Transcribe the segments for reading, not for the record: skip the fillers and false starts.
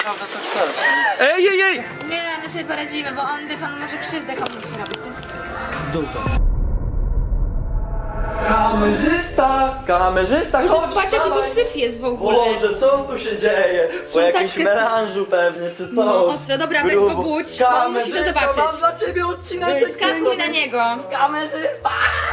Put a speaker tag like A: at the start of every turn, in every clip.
A: naprawdę co chcesz.
B: Ej, ej, ej!
C: Nie, my sobie poradzimy, bo on, wie pan, może krzywdę komuś zrobić.
A: Kamerzysta, chodź!
C: Patrz, jaki tu
A: wstawaj.
C: syf jest w ogóle.
A: Boże, co tu się dzieje? Po jakimś
C: taczkę
A: melanżu pewnie, czy co?
C: No, ostro, dobra, weź go
A: Grubo.
C: budź, bo on musi to
A: Kamerzysta,
C: zobaczyć.
A: mam dla ciebie odcineczek.
C: Skakuj na niego.
A: Kamerzysta!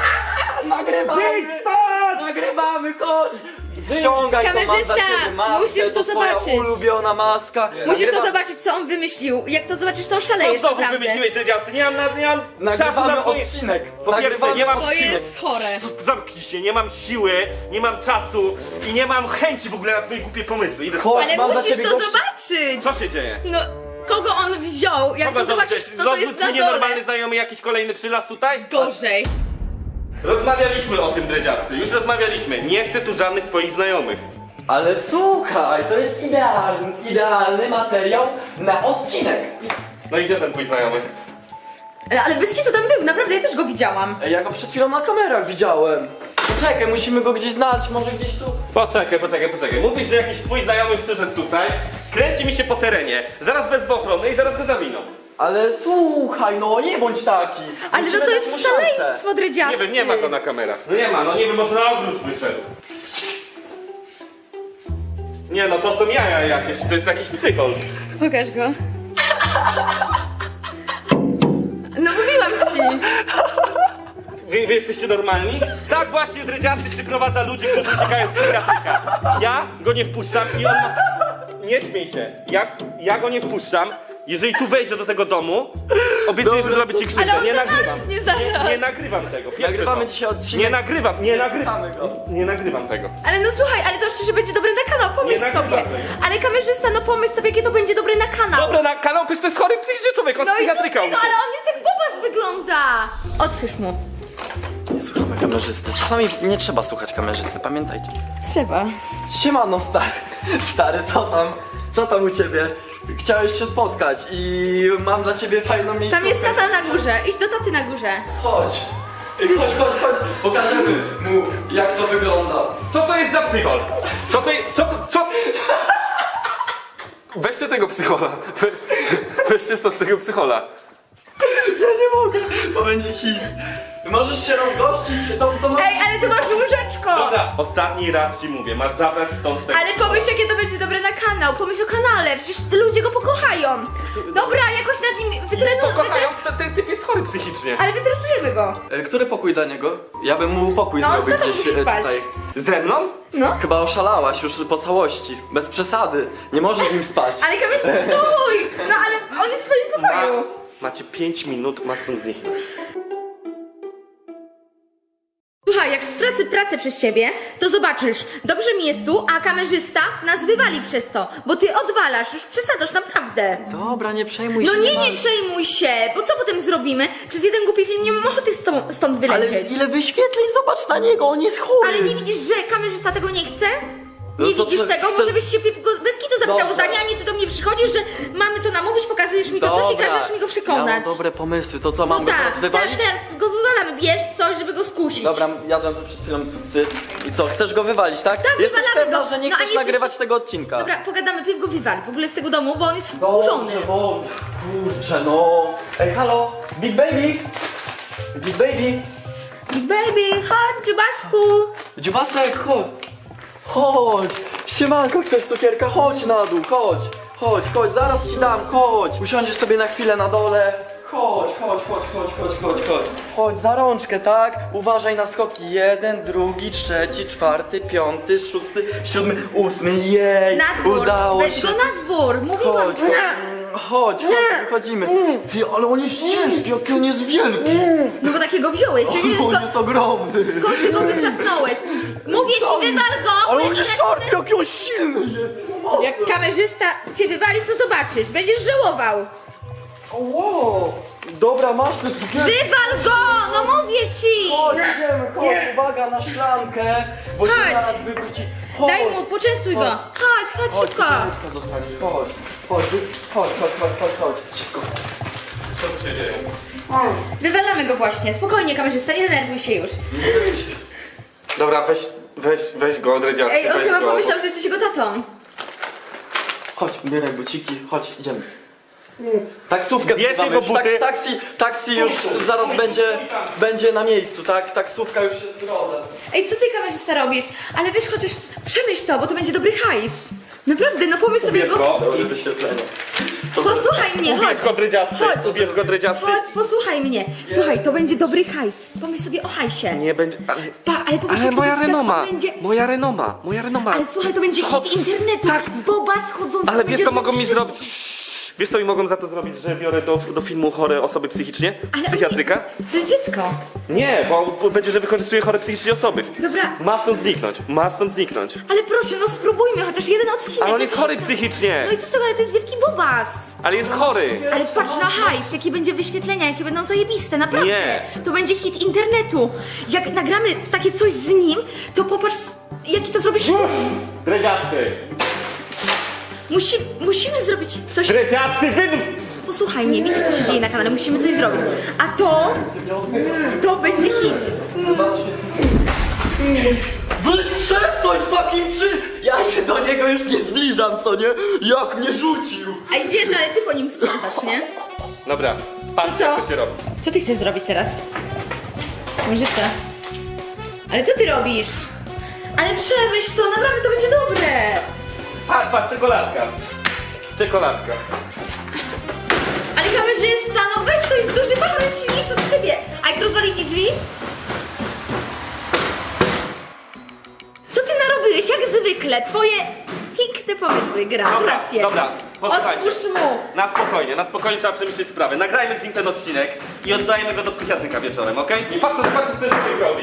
A: Nagrywamy, chodź! Ściągaj to, mam dla
C: Kamerzysta,
A: ciebie maskę,
C: musisz to
A: twoja
C: zobaczyć.
A: ulubiona maska.
C: Musisz to zobaczyć, co on wymyślił. Jak to zobaczysz, to
B: Co
C: oszalejesz
B: znowu
C: naprawdę.
B: wymyśliłeś, dredziasty? Nie mam czasu
A: Nagrywamy
B: na twoje...
A: odcinek.
B: Po pierwsze, nie mam
C: To
B: siły.
C: jest chore.
B: Zamknij się, nie mam siły, nie mam czasu i nie mam chęci w ogóle na twoje głupie pomysły. Idę
A: Chodź,
C: Ale
A: mam dla
C: musisz
A: ciebie
C: to
A: gości.
C: zobaczyć.
B: Co się dzieje?
C: No, kogo on wziął? Jak
B: Kogo
C: to zobaczysz,
B: zobaczysz?
C: co to jest
B: Twój
C: na
B: nienormalny
C: dole.
B: znajomy jakiś kolejny przylas tutaj?
C: Gorzej.
B: Rozmawialiśmy o tym, dredziasty, już rozmawialiśmy. Nie chcę tu żadnych twoich znajomych.
A: Ale słuchaj, to jest idealny materiał na odcinek.
B: No i gdzie ten twój znajomy?
C: Ale Wyski to tam był, naprawdę, ja też go widziałam.
A: Ej, ja go przed chwilą na kamerach widziałem. Poczekaj, musimy go gdzieś znaleźć, może gdzieś tu.
B: Poczekaj. Mówisz, że jakiś twój znajomy przyszedł tutaj, kręci mi się po terenie, zaraz wezmę ochronę i zaraz go zawiną.
A: Ale słuchaj, no nie bądź taki.
C: Ale
A: Musimy
C: to
A: dać
C: jest
A: mu szansę.
C: szaleństwo, dredziasty.
B: Nie wiem, nie ma go na kamerach. No nie ma, no nie wiem, może na ogród wyszedł. Nie no, to są jaja jakieś, to jest jakiś psychol.
C: Pokaż go. No mówiłam ci.
B: Wy jesteście normalni? Tak właśnie dredziasty przyprowadza ludzi, którzy uciekają z psychiatryka. Ja go nie wpuszczam i on ma... Nie śmiej się. Ja go nie wpuszczam. Jeżeli tu wejdzie do tego domu, obiecuję, że zrobię ci krzywdę.
C: Ale on
B: Nie
C: zamarznie
B: nagrywam.
C: zaraz.
B: Nie nagrywam tego. Pierwsze
A: Nagrywamy
B: to.
A: dzisiaj odcinek.
B: Nie nagrywam.
A: Słuchamy go.
B: Nie nagrywam tego.
C: Ale no słuchaj, ale to szczerze będzie dobre na kanał, pomyśl
B: Nie nagrywam
C: sobie.
B: tego.
C: Ale kamerzysta, no pomyśl sobie, jakie to będzie dobre na kanał.
B: Dobra, na kanał, przecież to jest chory psychicznie człowiek, on z
C: No i co z
B: psychiatryka
C: tego,
B: uciekł.
C: ale on jest jak bobas wygląda. Otwórz mu.
A: Nie słuchamy kamerzysty. Czasami nie trzeba słuchać kamerzysty, pamiętajcie.
C: Trzeba.
A: Siemano, stary. Stary, co tam? Co tam u ciebie? Chciałeś się spotkać i mam dla ciebie fajną miejscówkę.
C: Tam jest tata na górze, idź do taty na górze.
A: Chodź. Ej, chodź. Pokażemy mu, jak to wygląda.
B: Co to jest za psychol? Co to jest... Co? Weźcie tego psychola. Weźcie stąd tego psychola.
A: Ja nie mogę, bo będzie hit. Możesz się rozgościć, to masz...
C: Ej, ale tu masz łóżeczko.
B: Dobra, ostatni raz ci mówię, masz zabrać stąd tego
C: Ale pomyśl, jakie to będzie dobre na kanał. Pomyśl o kanale, przecież te ludzie go pokochają. Dobra, jakoś nad nim
B: Pokochają, ten typ jest chory psychicznie.
C: Ale wytresujemy go.
A: Który pokój dla niego? Ja bym mu pokój
C: No,
A: zrobił
C: co tam
A: gdzieś
C: musisz spać?
A: tutaj.
B: Ze mną?
C: No.
A: Chyba oszalałaś już po całości, bez przesady. Nie możesz z nim spać.
C: Ale kamerzysta, stój! No ale on jest w swoim pokoju.
B: Macie 5 minut, ma stąd zniknąć.
C: Słuchaj, jak stracę pracę przez ciebie, to zobaczysz, dobrze mi jest tu, a kamerzysta nas wywali przez to, bo ty odwalasz, już przesadzasz, naprawdę.
A: Dobra, nie przejmuj
C: No
A: się.
C: nie
A: ma-
C: przejmuj się, bo co potem zrobimy? Przez jeden głupi film nie mam ochoty stąd
A: Ale
C: wylecieć.
A: ile wyświetleń, zobacz na niego, on jest chory.
C: Ale nie widzisz, że kamerzysta tego nie chce?
A: No
C: Nie
A: to
C: widzisz
A: co,
C: tego?
A: chcę-
C: Może byś się bez kitu zapytał
A: Dobrze.
C: o zdanie, a nie ty do mnie przychodzisz, że mamy to namówić, pokazujesz mi to coś i każesz mi go
A: Ja
C: przekonać.
A: mam dobre pomysły, to co, mam
C: No
A: go
C: tak,
A: teraz wywalić?
C: teraz go wywalamy, bierz coś, żeby go skusić.
A: Dobra, jadłem tu przed chwilą cuksy. I co, chcesz go wywalić, tak?
C: Tak,
A: Jesteś
C: wywalamy
A: pewna,
C: go.
A: że nie
C: No, a
A: chcesz
C: nie
A: nagrywać
C: chcesz-
A: tego odcinka?
C: Dobra, pogadamy, pierw go wywal w ogóle z tego domu, bo on jest wkurzony.
A: Dobrze, bo... Kurczę, no... Ej, halo! Big Baby! Big Baby!
C: Big baby, chodź, dziubasku.
A: Dziubasek, chodź! Chodź! Siemanko, chcesz cukierka? Chodź na dół, chodź, zaraz ci dam, chodź! Usiądziesz sobie na chwilę na dole. Chodź. Chodź, za rączkę, tak? Uważaj na schodki. 1, 2, 3, 4, 5, 6, 7, 8. Jej!
C: Na dwór,
A: Udało
C: weź
A: się!
C: go na dwór, mówiłam.
A: Chodź, wychodzimy. Ty, ale on jest ciężki, jaki on jest wielki!
C: No bo takiego wziąłeś, ja nie wiem
A: On jest ogromny!
C: skąd ty go wytrzasnąłeś. Mówię ci, wywal go.
A: Ale
C: bo
A: on jest szarpy, jaki on silny jest!
C: jak kamerzysta cię wywali, to zobaczysz, będziesz żałował.
A: Wow! Dobra, masz te cukierki!
C: Wywal go, no mówię ci.
A: Chodź, idziemy, chodź, uwaga na szybko, bo się
C: Chodź.
A: zaraz wywróci. Chodź.
C: Daj mu, poczęstuj go. Chodź
A: Chodź,
C: szybko.
A: cukiereczka dostaniesz, chodź, szybko.
B: Co tu się dzieje?
C: Wywalamy go właśnie, spokojnie kamerzysta, nie denerwuj się już.
B: Dobra, weź go, dredziasty,
C: Ej, on
B: weź
C: chyba
B: go.
C: pomyślał, że jesteś jego tatą.
A: Chodź, ubieraj buciki, chodź, idziemy. Taksówkę
B: Bierz
A: wzywamy
B: jego
A: już,
B: buty.
A: taksi już zaraz będzie na miejscu, tak? Taksówka już jest w drodze.
C: Ej, co ty kamerzysta robisz? Ale weź chociaż przemyśl to, bo to będzie dobry hajs. Naprawdę, no pomyśl sobie
B: Ubierz
C: go.
B: go.
A: Dobre wyświetlenie.
C: Posłuchaj mnie, chodź.
B: Ubierz go drydziasty,
C: Chodź.
B: ubierz go drydziasty.
C: Chodź, posłuchaj mnie. Słuchaj, to będzie dobry hajs. Pomyśl sobie o hajsie.
B: Nie będzie...
C: Ale pomyśl,
B: Ale
C: jak to
B: moja
C: będzie,
B: renoma,
C: to będzie...
B: moja renoma.
C: Ale słuchaj, to będzie hit internetu. Tak. Boba schodząca.
B: Ale wiesz
C: będzie
B: co mogą mi
C: wszyscy-
B: zrobić? Wiesz co mi mogą za to zrobić, że biorę do filmu chore osoby psychicznie?
C: Ale
B: Psychiatryka?
C: To jest dziecko.
B: Nie, bo będzie, że wykorzystuję chore psychicznie osoby.
C: Dobra.
B: Ma stąd zniknąć.
C: Ale proszę, no spróbujmy chociaż jeden odcinek.
B: Ale on jest
C: No
B: chory
C: to-
B: psychicznie.
C: No i co z tego, ale to jest wielki bobas.
B: Ale jest chory.
C: Ale patrz na hajs, jakie będzie wyświetlenia, jakie będą zajebiste, naprawdę.
B: Nie.
C: To będzie hit internetu. Jak nagramy takie coś z nim, to popatrz, jaki to zrobisz.
B: Dredziasty.
C: Musimy zrobić coś.
B: Dredziasty,
C: Posłuchaj mnie, widzisz co się dzieje na kanale, musimy coś zrobić. A to będzie hit.
A: Weź przestań z takim Ja się do niego już nie zbliżam, co nie? Jak mnie rzucił!
C: Ej, wiesz, ale ty po nim sprzątasz, nie?
B: Dobra, patrz
C: To co?
B: jak to się robi.
C: Co ty chcesz zrobić teraz? Kamerzysta. Ale co ty robisz? Ale przemyśl to, naprawdę to będzie dobre.
B: Patrz, czekoladka. Czekoladka.
C: Ale kamerzysta, no weź, to jest duży bachor, jest silniejszy od ciebie. A jak rozwali ci drzwi? Co ty narobiłeś, jak zwykle? Twoje piękne pomysły, gratulacje.
B: Dobra, posłuchajcie.
C: Otwórz mu.
B: Na spokojnie trzeba przemyśleć sprawę. Nagrajmy z nim ten odcinek i oddajemy go do psychiatryka wieczorem, okej? I patrz co ten człowiek robi.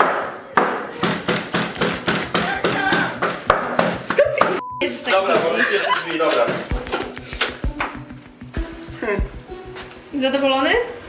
C: Bierzesz tak
B: Dobra,
C: chodzi.
B: bo pierwsze drzwi, dobra.
C: Zadowolony?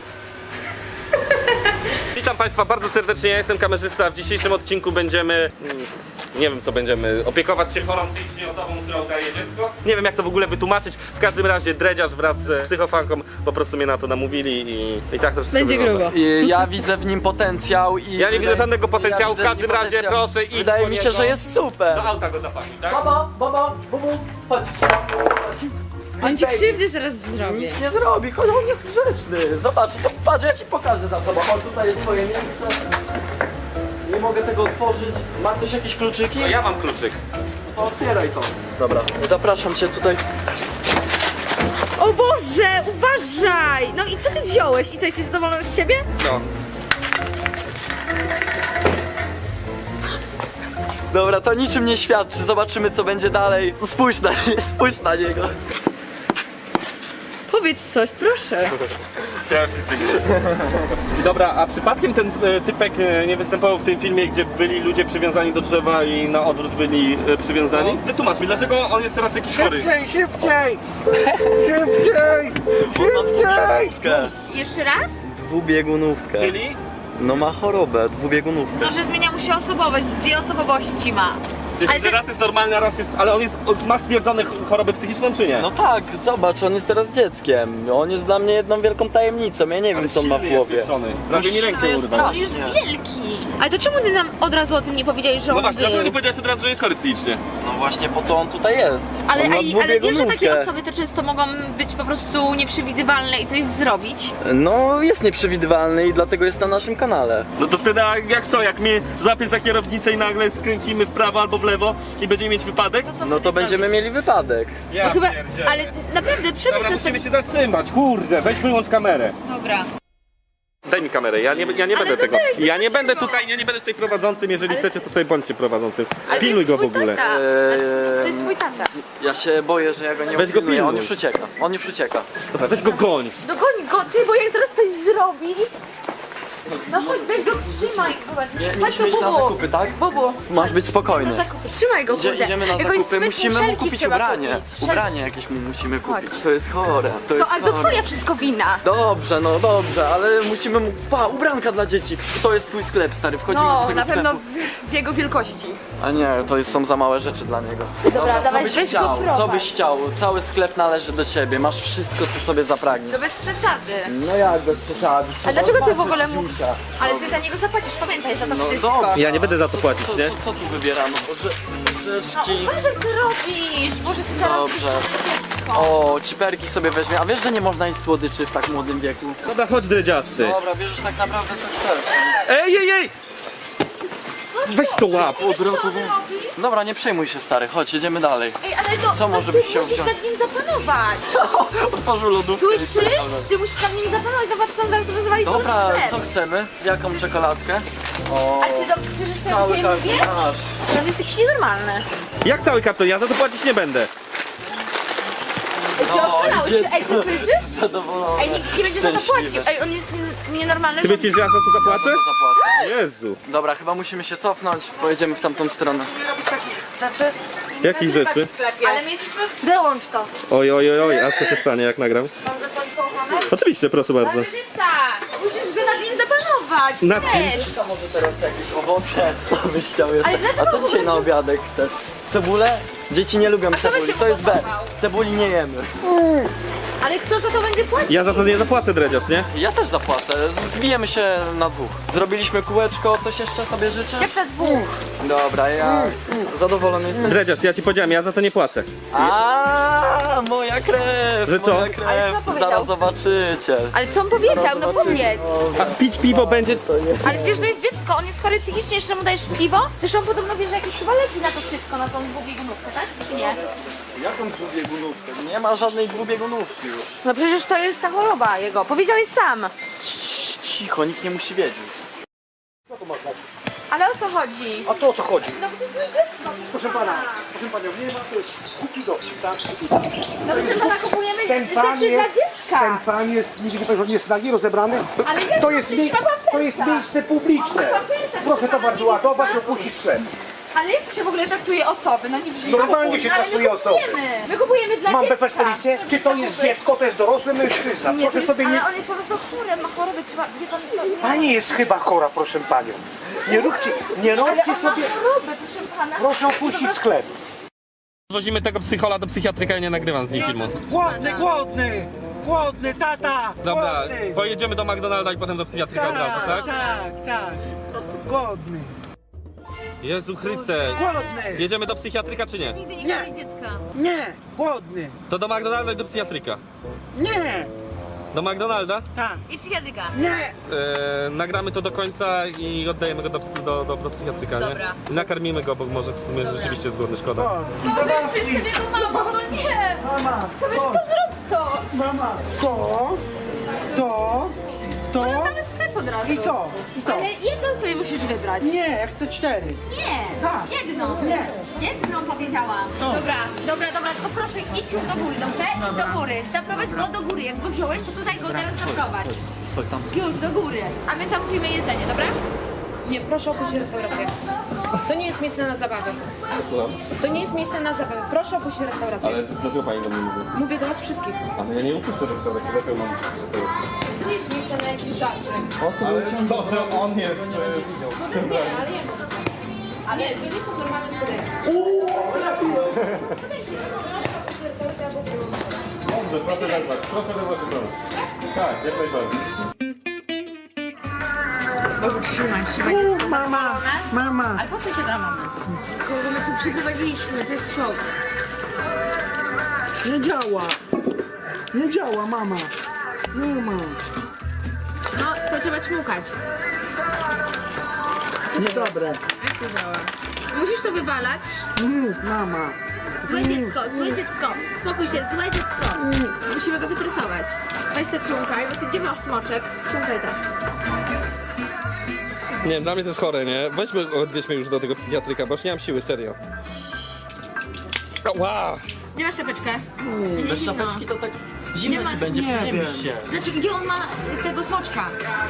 B: Witam Państwa bardzo serdecznie, ja jestem kamerzysta. W dzisiejszym odcinku będziemy... Nie wiem co będziemy, opiekować się chorą psychicznie osobą, która udaje dziecko. Nie wiem jak to w ogóle wytłumaczyć. W każdym razie dredziarz wraz z psychofanką po prostu mnie na to namówili i tak to wszystko
C: Będzie
B: wygląda.
C: grubo.
A: Ja widzę w nim potencjał i...
B: Ja nie widzę żadnego potencjału,
A: widzę
B: w każdym
A: nim
B: razie
A: potencjał.
B: proszę idź
A: Wydaje
B: po
A: mi się,
B: niego.
A: że jest super.
B: Do auta go zapakuj, tak?
A: Baba, bubu, chodź.
C: On ci krzywdy zaraz zrobi.
A: Nic nie zrobi, chodź, on jest grzeczny. Zobacz, to patrz, ja ci pokażę za tobą. O, tutaj jest twoje miejsce. Nie mogę tego otworzyć. Ma ktoś jakieś kluczyki?
B: No ja mam kluczyk.
A: To otwieraj to. Dobra, zapraszam cię tutaj.
C: O Boże, uważaj! No i co ty wziąłeś? I co, jesteś zadowolony z siebie?
B: No.
A: Dobra, to niczym nie świadczy. Zobaczymy, co będzie dalej. Spójrz na niego.
C: Powiedz coś, proszę.
B: Ja już jestem. Dobra, a przypadkiem ten typek nie występował w tym filmie, gdzie byli ludzie przywiązani do drzewa i na odwrót byli przywiązani? Wytłumacz mi, dlaczego on jest teraz jakiś chory?
D: Szybciej!
C: Jeszcze raz?
A: Dwubiegunówkę.
B: Czyli?
A: No ma chorobę, dwubiegunówkę.
C: No, że zmienia mu się osobowość, dwie osobowości ma.
B: W sensie, że raz jest normalny, a raz jest... Ale on ma stwierdzone chorobę psychiczną, czy nie?
A: No tak, zobacz, on jest teraz dzieckiem. On jest dla mnie jedną wielką tajemnicą. Ja nie wiem,
B: Ale
A: co on ma w
B: silny jest
A: głowie.
B: pieprzony. Prawie mi
A: silny
B: rękę
A: jest
B: urwał.
C: On jest
A: strasznie.
C: wielki. Ale to czemu ty nam od razu o tym nie powiedziałeś, że
B: No
C: on
B: właśnie, dlaczego
C: był?
B: nie powiedziałeś od razu, że jest chory psychicznie?
A: No właśnie po to on tutaj jest.
C: Ale,
A: on ma
C: ale wiesz, że takie
A: dwubiegunówkę.
C: osoby to często mogą być po prostu nieprzewidywalne i coś zrobić?
A: No jest nieprzewidywalny i dlatego jest na naszym kanale.
B: No to wtedy jak co, jak mnie złapie za kierownicę i nagle skręcimy w prawo albo w lewo i będziemy mieć wypadek?
C: Co
A: No
C: wtedy
A: to będziemy
C: zrobisz?
A: mieli wypadek.
B: Ja
C: No chyba,
B: pierdzielę.
C: ale naprawdę przemyśl
B: Dobra,
C: to
B: musimy
C: sobie.
B: się zatrzymać, kurde, weź wyłącz kamerę.
C: Dobra.
B: Daj mi kamerę, ja nie będę
C: to
B: tego.
C: weź,
B: Ja
C: to
B: nie
C: weź
B: będę
C: go.
B: tutaj, ja nie będę tutaj prowadzącym, jeżeli chcecie, to sobie bądźcie prowadzącym.
C: Ale
B: Pilnuj
C: to
B: go
C: jest
B: w ogóle.
C: twój tata. Znaczy, to jest twój tata.
A: Ja się boję, że ja go nie
B: Weź go
A: upilnuję. On
B: pilnuj.
A: już ucieka. On już ucieka.
B: Dobra, weź go goń.
C: Dogoń go, ty, bo jak zaraz coś zrobi... No chodź, weź go, trzymaj.
A: Nie
C: Chodź
A: musimy iść na
C: Bubu.
A: zakupy, tak?
C: Bubu.
A: Masz być spokojny.
C: Na zakupy. Trzymaj go, kurde.
A: Idziemy na
C: Jakoś
A: zakupy,
C: sprytne
A: musimy mu
C: szelki
A: kupić
C: trzeba
A: ubranie.
C: kupić.
A: Ubranie jakieś mu musimy kupić.
C: Chodź.
A: To jest chore. To jest
C: Ale to
A: chore.
C: twoja wszystko wina.
A: Dobrze, no dobrze, ale musimy mu... Pa, ubranka dla dzieci. To jest twój sklep, stary. Wchodzimy do
C: No,
A: tego
C: na pewno
A: sklepu.
C: w jego wielkości.
A: A nie, to są za małe rzeczy dla niego.
C: Dobra, dawaj,
A: co byś
C: weź go
A: chciał?
C: prowadź.
A: Co byś chciał? Cały sklep należy do ciebie. Masz wszystko, co sobie zapragniesz.
C: To bez przesady.
A: No jak bez przesady?
C: A dlaczego ty w
A: Zobaczyć
C: ogóle mu...
A: Dziusia.
C: Ale ty za niego zapłacisz, pamiętaj, za to
A: No
C: wszystko.
A: dobrze.
B: Ja nie będę za to płacić,
A: Co,
B: nie?
A: co tu wybieramy?
C: No,
A: Orzeszki.
C: co, że ty robisz? Boże, ty zaraz...
A: Dobrze.
C: ciastko.
A: O, ciperki sobie weźmie. A wiesz, że nie można jeść słodyczy w tak młodym wieku?
B: Dobra, chodź dredziasty.
A: Dobra, bierzesz tak naprawdę co chcesz.
B: Ej! Weź to łap.
C: Co on robi?
A: Dobra, nie przejmuj się, stary, chodź, jedziemy dalej.
C: Ej, ale to...
A: Co może
C: ty
A: byś chciał
C: musisz
A: wziąć?
C: nad nim zapanować.
A: Otworzył lodówkę. i
C: Słyszysz?
A: czekamy.
C: Ty musisz nad nim zapanować, zobacz co on zaraz rozwali cały
A: Dobra,
C: sklep.
A: co chcemy? Jaką czekoladkę? O,
C: Ale ty dobrze słyszysz, co ja
A: cały
C: dzisiaj mówię?
A: karton masz.
C: On jest jakiś nienormalny.
B: Jak cały karton? Ja za to płacić nie będę.
C: Ej, ty
A: No,
C: oszalałeś,
A: i dziecko.
C: ej, ty słyszysz?
A: Zadowolony.
C: Ej, nikt nie będzie za to płacił. Ej, on jest nienormalny.
B: Ty myślisz, że ja za to zapłacę?
A: To zapłacę.
B: Jezu.
A: Dobra, chyba musimy się cofnąć. Pojedziemy w tamtą stronę.
D: Znaczy,
B: Jakich rzeczy?
C: Ale my jesteśmy...
D: wyłącz to.
B: Oj, a co się stanie jak nagram?
D: Dobrze pan kochany?
B: Oczywiście, proszę bardzo.
C: Kamerzysta! Musisz go nad nim zapanować.
B: Nad kim?
C: Też.
A: To może teraz jakieś owoce? Co byś chciał jeszcze?
C: Ale dlaczego
A: A co
C: w ogóle
A: dzisiaj na
C: nie-
A: obiadek chcesz? Cebulę? Dzieci nie lubią
C: kto
A: cebuli,
C: będzie
A: to jest B.
C: gotował?
A: Cebuli nie jemy.
C: Ale kto za to będzie płacił?
B: Ja za to nie zapłacę, dredziarz, nie?
A: Ja też zapłacę, zbijemy się na dwóch. Zrobiliśmy kółeczko, coś jeszcze sobie życzysz?
C: Jak na dwóch?
A: Dobra, ja zadowolony jestem.
B: Dredziarz, ja ci powiedziałem, ja za to nie płacę.
A: A, moja krew,
B: Że co?
A: moja
C: Ale
A: krew,
C: co powiedział?
A: zaraz zobaczycie.
C: Ale co on powiedział? No powiedz.
B: A pić piwo będzie...
C: Ale przecież to jest dziecko, on jest chory psychicznie, jeszcze mu dajesz piwo? Zresztą podobno bierze jakieś chyba leki na to wszystko, na tą dwubiegunówkę, tak? Czy nie?
A: Jaką dwubiegunówkę? Nie ma żadnej dwubiegunówki już.
C: No przecież to jest ta choroba jego, powiedziałeś sam.
A: Cicho, nikt nie musi wiedzieć.
C: Ale o co chodzi?
E: A to o co chodzi?
C: No bo to jest moje dziecko.
E: Proszę pana, nie ma, to jest kupi do tak?
C: No proszę pana, kupujemy
E: Ten pan
C: rzeczy dla
E: jest,
C: dziecka.
E: ten pan jest, nie widzi pan, że on jest nagi rozebrany?
C: Ale jak
E: To jest,
C: to ma
E: to jest
C: pampersa?
E: miejsce publiczne.
C: On ma pampersa,
E: Proszę
C: proszę
E: to
C: pana,
E: bardzo
C: nie
E: ładować,
C: widzi
E: opuścić sklep.
C: Ale jak się w ogóle traktuje osoby? No nie brzmi.
E: Normalnie się
C: Ale
E: traktuje
C: my
E: osoby.
C: kupujemy. My kupujemy dla
E: Mam
C: dziecka.
E: wezwać policję? Czy to jest dziecko, to jest dorosły mężczyzna?
C: Nie, to
E: Proszę
C: jest,
E: sobie nie...
C: ale on jest po prostu chory, on ma chorobę, trzeba, wie pan, to,
E: Pani jest chyba chora, proszę panią. Nie róbcie
C: ale on
E: sobie...
C: ma chorobę, proszę pana.
E: Proszę opuścić sklep.
B: Wozimy tego psychola do psychiatryka, ja nie nagrywam z nim filmu.
F: Głodny, tata!
B: Dobra,
F: Głodny.
B: pojedziemy do McDonalda i potem do psychiatryka od razu, tak?
F: Tak. Głodny.
B: Jezu Chryste.
F: Głodny.
B: Jedziemy do psychiatryka czy nie?
C: Nigdy nie kochaj dziecka.
F: Nie, głodny.
B: To do McDonalda i do psychiatryka.
F: Nie,
B: Do McDonalda?
F: tak.
C: I psychiatryka.
F: Nie.
B: Nagramy to do końca i oddajemy go do psychiatryka, nie?
C: Dobra.
B: I nakarmimy go, bo może w sumie rzeczywiście jest głodny, szkoda.
F: Głodny.
C: Boże, jeszcze jestem jego mamą, no nie!
F: Mama,
C: Kamerzysta, zrób to!
F: mama, to,
C: Cały sklep od razu.
F: i to.
C: Ale jedną sobie musisz wybrać.
F: Nie, ja chcę 4.
C: Nie!
F: Tak.
C: Jedną!
F: Nie.
C: Jedną powiedziałam! Dobra, tylko proszę idź już do góry, dobrze? Do góry. Zaprowadź go do góry. Jak go wziąłeś, to tutaj go teraz zaprowadź. Już, do góry. A my zamówimy jedzenie, dobra?
G: Nie, proszę opuścić restaurację. To nie jest miejsce na zabawę. To nie jest miejsce na zabawę. Proszę opuścić restaurację.
B: dlaczego pani do mnie mówi?
G: Mówię do was wszystkich.
B: Ale ja nie upuszczę restauracji, dlaczego mam...
G: To nie jest miejsce na jakieś żarcie.
B: Ale to, że on jest...
G: No nie, ale nie. Ale to nie są normalne spotkania.
B: Dobrze, proszę wezwać do domu. Tak, jak najbardziej.
C: Trzymaj dziecko zadowolone.
F: Mama.
C: Ale po co się dla mamy? Kogo my tu przyprowadziliśmy? To jest szok.
F: Nie działa, mama. Nie ma.
C: No, to trzeba ćmukać.
F: Niedobre.
C: Jak to działa? Musisz to wywalać.
F: Mama.
C: Złe dziecko. Spokój się, złe dziecko. Musimy go wytresować. Weź to ciąkaj, bo ty gdzie masz smoczek? Ciąkaj tak.
B: Nie, dla mnie to jest chore, nie? Odwieźmy już do tego psychiatryka, bo już nie mam siły, serio. Wow.
C: Gdzie masz szapeczkę? Nie
A: Bez
C: zimno.
A: szapeczki to tak
C: Nie
A: zimno
C: ma-
A: ci będzie,
F: nie
A: przeziębisz się.
C: Znaczy, gdzie on ma tego smoczka?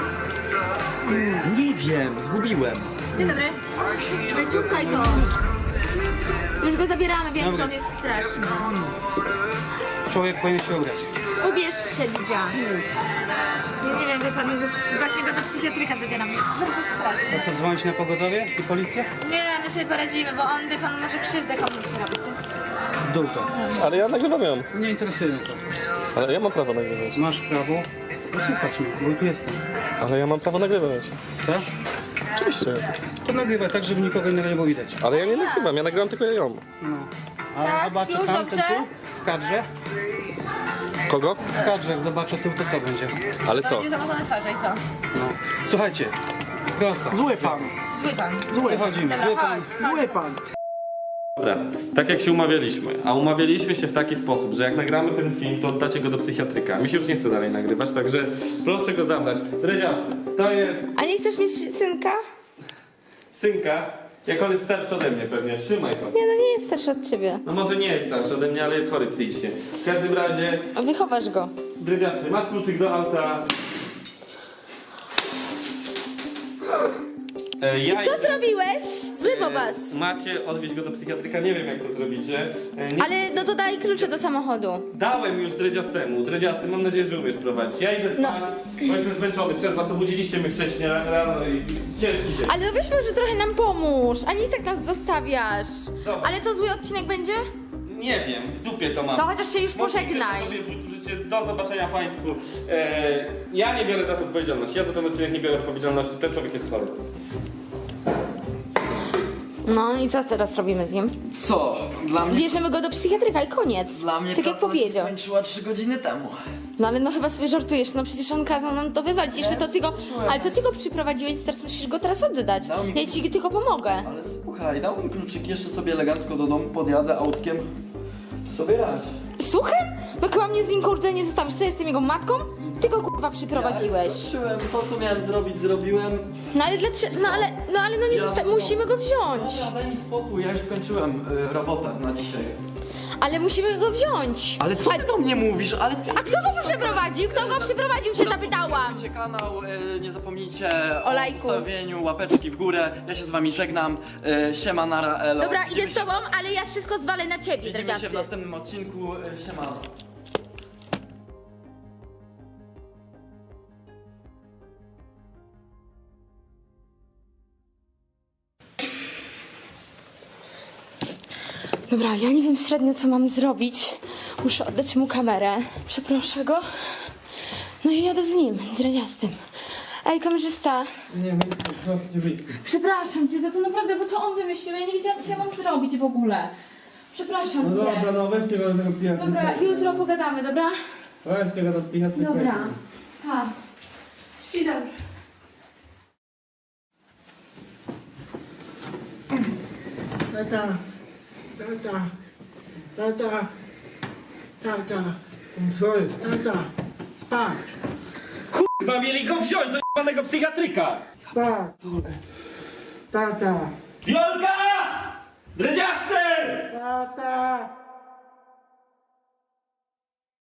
A: Nie wiem, zgubiłem.
C: Dzień dobry. Ale ciąkaj go. Już go zabieramy, wiem, że on jest straszny.
F: Człowiek powinien się ubrać.
C: Ubierz się, dzidzia. Ja nie wiem, wie pan, właśnie go do psychiatryka zabieram. Bardzo straszne.
F: Co, dzwonić na pogotowie i policję?
C: Nie, my sobie poradzimy, bo on, wie pan, może krzywdę komuś zrobić.
F: W dół to.
B: Ale ja nagrywam ją.
F: Nie interesuje mnie to.
B: Ale ja mam prawo nagrywać.
F: Masz prawo posłuchać mnie, bo tu jestem.
B: Ale ja mam prawo nagrywać.
F: Tak?
B: Oczywiście.
F: To nagrywaj tak, żeby nikogo innego nie było widać.
B: Ale ja nie nagrywam, ja nagrywam tylko ją.
F: No. A jak
C: Tak,
F: zobaczę
C: już
F: tam, ten
C: dobrze?
F: tu, w kadrze?
B: Kogo?
F: W kadrze, jak zobaczę tu, to co będzie?
B: Ale
C: To
B: co?
C: będzie zamazane twarze i co?
F: No. Słuchajcie, prosto.
E: Zły pan.
C: Zły pan.
F: Wychodzimy,
C: Dobra,
F: zły pan.
C: chodź.
E: Zły pan.
B: Dobra, tak jak się umawialiśmy, a umawialiśmy się w taki sposób, że jak nagramy ten film, to oddacie go do psychiatryka. Mi się już nie chce dalej nagrywać, także proszę go zabrać. Dredziasty, to jest
C: A nie chcesz mieć synka?
B: synka, jak on jest starszy ode mnie pewnie, trzymaj go.
C: Nie, no nie jest starszy od ciebie.
B: No może nie jest starszy ode mnie, ale jest chory psychicznie. W każdym razie,
C: Wychowasz go.
B: Dredziasty, masz kluczyk do auta. Ja
C: Co zrobiłeś? Zły bobas.
B: Macie odwieźć go do psychiatryka, nie wiem jak to zrobicie.
C: Ale no to daj klucze do samochodu.
B: Dałem już Dredziastemu. Dredziasty, mam nadzieję, że umiesz prowadzić. Ja idę spać, bo jestem zmęczony przez was. Obudziliście mnie wcześniej rano i ciężki dzień.
C: Ale no weź może trochę nam pomóż, a nie tak nas zostawiasz.
B: Dobra.
C: Ale co, zły odcinek będzie?
B: Nie wiem, w dupie to mam.
C: To chociaż się już pożegnaj.
B: Sobie życie. Do zobaczenia państwu. Ja nie biorę za to odpowiedzialności. Ja za ten odcinek nie biorę odpowiedzialności. Ten człowiek jest chory.
C: No i co teraz robimy z nim?
A: Co? Dla mnie...
C: Bierzemy go do psychiatryka i koniec.
A: Dla mnie
C: tak jak
A: praca się
C: powiedział.
A: skończyła 3 godziny temu.
C: No ale no chyba sobie żartujesz, no przecież on kazał nam to wywalić. Jeszcze to ty go, ale to ty go przyprowadziłeś, teraz musisz go teraz oddać.
A: Dał mi
C: Ja ci tylko pomogę.
A: Ale słuchaj, dał mi kluczyki, jeszcze sobie elegancko do domu podjadę autkiem. Sobie radź.
C: Słucham? No chyba mnie z nim kurde nie zostawisz. Co, jestem jego matką? Ty go kurwa przyprowadziłeś.
A: Ja zobaczyłem, to co miałem zrobić, zrobiłem.
C: No ale dlaczego? No ale no nie musimy go wziąć.
A: Dobra, daj mi spokój, ja już skończyłem robotę na dzisiaj.
C: Ale musimy go wziąć.
A: Ale co ty do mnie mówisz? Ale ty...
C: A kto go przyprowadził? Kto go przyprowadził, się zapytałam.
A: Subskrybujcie kanał, nie zapomnijcie
C: O lajku.
A: ustawieniu, łapeczki w górę. Ja się z wami żegnam. Siema, nara, elo.
C: Dobra,
A: Widzimy
C: idę z tobą, ale ja wszystko zwalę na ciebie,
A: Widzimy się
C: dredziasty.
A: w następnym odcinku. Siema.
C: Dobra, ja nie wiem średnio co mam zrobić. Muszę oddać mu kamerę. Przeproszę go. No i jadę z nim, dredziastym. Ej, kamerzysta.
F: Nie, proszę cię wyjść.
C: Przepraszam cię za to naprawdę, bo to on wymyślił. Ja nie wiedziałam co ja mam zrobić w ogóle. Przepraszam
F: No
C: cię.
F: dobra, no weźcie go do tego psychiatryka.
C: Dobra, jutro pogadamy, dobra?
F: Weźcie go do psychiatryka.
C: Dobra. Pa. Śpi dobrze.
E: Tata. Tata. Tata. Tata.
F: Co jest?
E: Tata. Spać.
B: Chyba mieli go wziąć do jebanego psychiatryka!
E: Spać. Tata.
B: Wiolka! Dredziasty!
E: Tata.